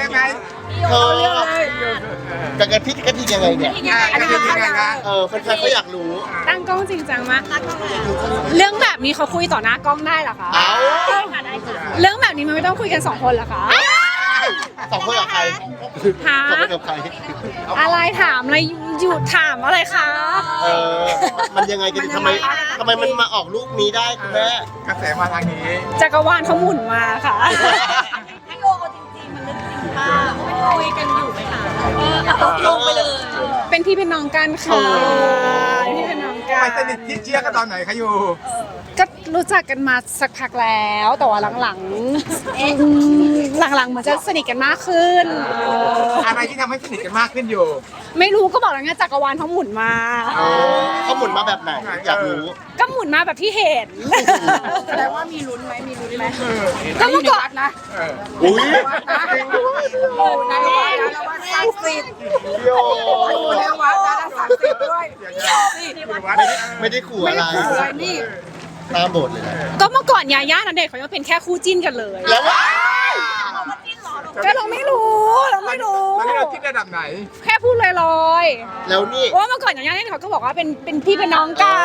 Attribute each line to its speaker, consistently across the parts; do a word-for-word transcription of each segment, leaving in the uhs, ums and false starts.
Speaker 1: ยังไง
Speaker 2: เธอกับกันพี่กระทิงยังไงเนี่ย
Speaker 1: อันนี้ยังไงคะ
Speaker 2: เออแฟนๆเขาอยากรู้
Speaker 3: ตั้งกล้องจริงจังมากเรื่องแบบนี้เขาคุยต่อหน้ากล้องได้เหรอคะ
Speaker 2: เอ้า
Speaker 3: เรื่องแบบนี้มันไม่ต้องคุยกันสองคนเหรอคะ
Speaker 2: สองคนกับใคร
Speaker 3: หา
Speaker 2: สองคนกับใคร
Speaker 3: อะไรถามอะไรหยุดถามอะไรคะ
Speaker 2: เออมันยังไงกันทำไมทำไมมันมาออกลูกนี้ได้คุณแม่
Speaker 1: กระแสมาทางนี้
Speaker 3: จักรวาลเขาหมุนมาค่ะ
Speaker 4: ให้โยเอาจริงๆมันลึกจริงป่ะไม่คุยกันอยู่ไหมคะเออเอาลงไปเลย
Speaker 3: เป็นพี่เป็นน้องกันค่ะเป็นพี่เป็นน้องกั
Speaker 1: ไป
Speaker 3: น
Speaker 1: สนิทที่เชียร์กันตอนไหนคะอยู่
Speaker 3: ก็รู้จักกันมาสักพักแล้วแต่ว่าหลังๆอืมหลังๆเหมือนจะสนิทกันมากขึ้น
Speaker 1: อะไรที่ทำให้สนิทกันมากขึ้นอยู่
Speaker 3: ไม่รู้ก็บอกแล้วไงจักรวาลเขาหมุนมา
Speaker 2: เขาหมุนมาแบบไหนอยากรู้
Speaker 3: ก็หมุนมาแบบที่เห็น
Speaker 4: แสดงว่ามีลุ้นไหมมีลุ้นไหม
Speaker 3: ก็เมื่อก่อนนะ
Speaker 1: เออ
Speaker 2: อุ้ย
Speaker 4: ในวัดนะแล้ววัดศักดิ์สิทธิ์
Speaker 2: โย
Speaker 4: อยู่ในวัดนะศักดิ์สิทธิ์ด้วย
Speaker 2: ไม่ได้ขู่อะไร
Speaker 4: อะไรนี่
Speaker 2: ตามโบทเลยนะ
Speaker 3: ก็เมื่อก่อนยาย่าณเดชน์เขายังเป็นแค่คู่จิ้นกันเลย
Speaker 2: แล้วว่า
Speaker 3: ก็เราไม่รู้เราไม่รู้
Speaker 1: ตอนนี้เราคิดระดับไหน
Speaker 3: แค่พูดลอย
Speaker 2: แล้วนี่
Speaker 3: ๆว่าเมื่อก่อนยาย่าเนี่ยเขาก็บอกว่าเป็นเป็นพี่เป็นน้องกัน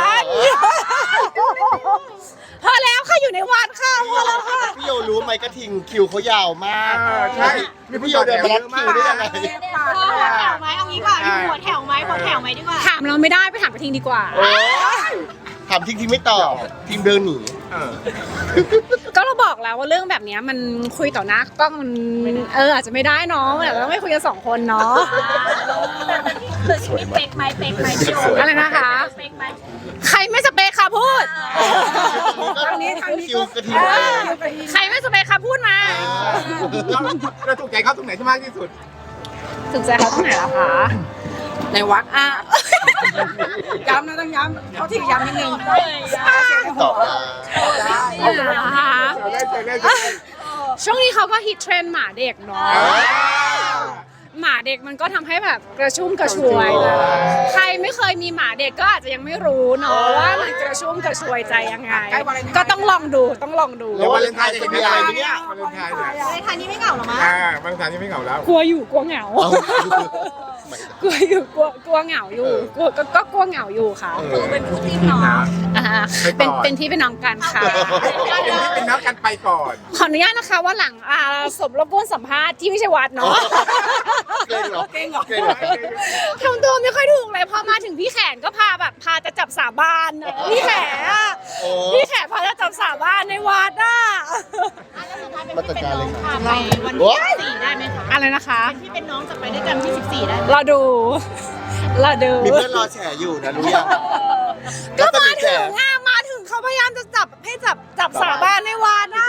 Speaker 3: พอแล้วค่ะอยู่ในวัดค่ะพอแล้วค่ะ
Speaker 2: พี่โยรู้ไหมกระทิงคิวเขายาวมาก
Speaker 1: เออใช่
Speaker 2: มีพี่โยเดินมารัดคิวได้ยังไง
Speaker 4: หัวแถวไหมเอางี้ก่อนหัวแถวไหมหัวแถวไหมดีกว่า
Speaker 3: ถามเราไม่ได้ไปถามกระทิงดีกว่า
Speaker 2: โอ้ถามทิ้งทิ้งไม่ตอบทีมเดินหนี
Speaker 1: เออ
Speaker 3: ก็เราบอกแล้วว่าเรื่องแบบเนี้ยมันคุยต่อหน้ากล้องมันเอออาจจะไม่ได้เนาะแต่เราต้องไม่คุยกันสองคนเนาะ
Speaker 4: แต่ที่นี่เป๊กไหมเป๊กไหมพี่โย
Speaker 3: อะไรนะคะ
Speaker 4: เป๊กไหม
Speaker 3: ใครไม่สเปคค่ะพูด
Speaker 2: ทางนี้ทางนี้คิวกระทิง
Speaker 3: เออใครไม่สเปคค่ะพูดมา
Speaker 1: เราเราถูกใจเขาตรงไหนที่มากที่สุด
Speaker 3: ถึงใจเขาตรงไหนล่ะคะ
Speaker 4: ในวัดอ่ะย้ำนะต้องย้ำเขาที่ย้ำนิดนึง
Speaker 2: ตอบมา
Speaker 3: นะคะ
Speaker 1: เจอได้เจอได้เจอได้
Speaker 3: ช่วงนี้เขาก็ฮิตเทรนด์หมาเด็กเนาะหมาเด็กมันก็ทำให้แบบกระชุ่มกระชวย ใครไม่เคยมีหมาเด็กก็อาจจะยังไม่รู้เนาะว่ามันกระชุ่มกระชวยใจยังไง ก็ต้องลองดูต้องลองดู
Speaker 2: แล้ววาเลนไทน์จะเห็นอะไรไหมเนี่ย
Speaker 1: วาเลนไทน์เนี่ย
Speaker 4: ในทางนี้ไม่เหงาหรอมั้ง
Speaker 1: อ่าวาเลนไทน์ยังไม่เหงาแล้ว
Speaker 3: กลัวอยู่กลัวเหงา
Speaker 2: เอา
Speaker 3: กลัวอยู่กลัวกลัวเหงาอยู่กลัวก็ก็กลัวเหงาอยู่ค่ะ
Speaker 2: เออ
Speaker 4: เป็นคู่จิ้นเนาะ
Speaker 3: อ่าเป็นเป็นพี่เป็นน้องกันค่ะ
Speaker 1: เป็นที่เป็นนักกันไปก่อน
Speaker 3: ขออนุญาตนะคะว่าหลังอ่าสมรบกวนสัมภาษณ์ที่ไม่ใช่วัดเนาะ
Speaker 2: เก่งเหรอ
Speaker 4: เก่งเหรอ
Speaker 2: เก่งเหรอ
Speaker 3: ทำตัวไม่ค่อยถูกเลยพอมาถึงพี่แขนก็พาแบบพาจะจับสาบานอะพี่แขนอะ
Speaker 2: โอ้
Speaker 3: พี่แขนพาจะจับสาบานในวัดอ่ะ
Speaker 2: มาจัดการเลยค่ะ
Speaker 4: ไปวัน
Speaker 2: โอ๊
Speaker 4: ที่
Speaker 2: ย
Speaker 4: สี่ได้ไหมคะ
Speaker 3: อะไรนะคะ
Speaker 4: ที่เป็นน้องจะไปด้วยกันที่สิบสี่ได้ไหม
Speaker 3: เราดูเราดู
Speaker 2: มีเพื่อนรอแฉอยู่นะรู้ยัง
Speaker 3: ก็มา
Speaker 2: แฉ
Speaker 3: ถึงอ่ะมาถึงเขาพยายามจะจับให้จับจับสาบานในวัดอ่ะ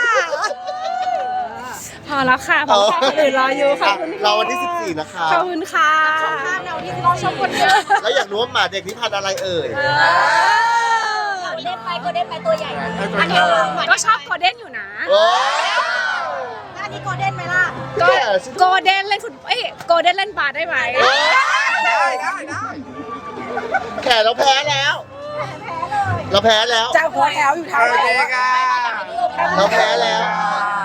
Speaker 3: พอแล้วค่ะเพราะว่าคนอื่นรออยู่ขอบคุณค่ะ
Speaker 2: เราวันที่สิบสี่นะคะ
Speaker 3: ขอบคุณค่ะ
Speaker 4: ภาพเราที่เราชอบคนเยอะ
Speaker 2: แล้วอยากรู้ว่าหมาเด็กนี่พันธุ์อะไรเอ่ย
Speaker 4: เล่นไปก็เล่นไปตัวใหญ่
Speaker 1: อันนี้
Speaker 3: ก็ชอบโกลเด้นอยู่นะ
Speaker 2: โอ้ย
Speaker 4: อันนี้โกลเด้นไหมล่ะ
Speaker 3: ก็โกลเด้นเล่นฟุตเอ้ยโกลเด้นเล่นบาสได้ไหม
Speaker 1: ได้ได้ได้
Speaker 2: แขนเราแพ้แล้ว เราแพ้แล้ว
Speaker 4: จากหัวแถวอยู่ทาง
Speaker 1: โอเคค่ะ
Speaker 2: เราแพ้แล้ว
Speaker 4: เ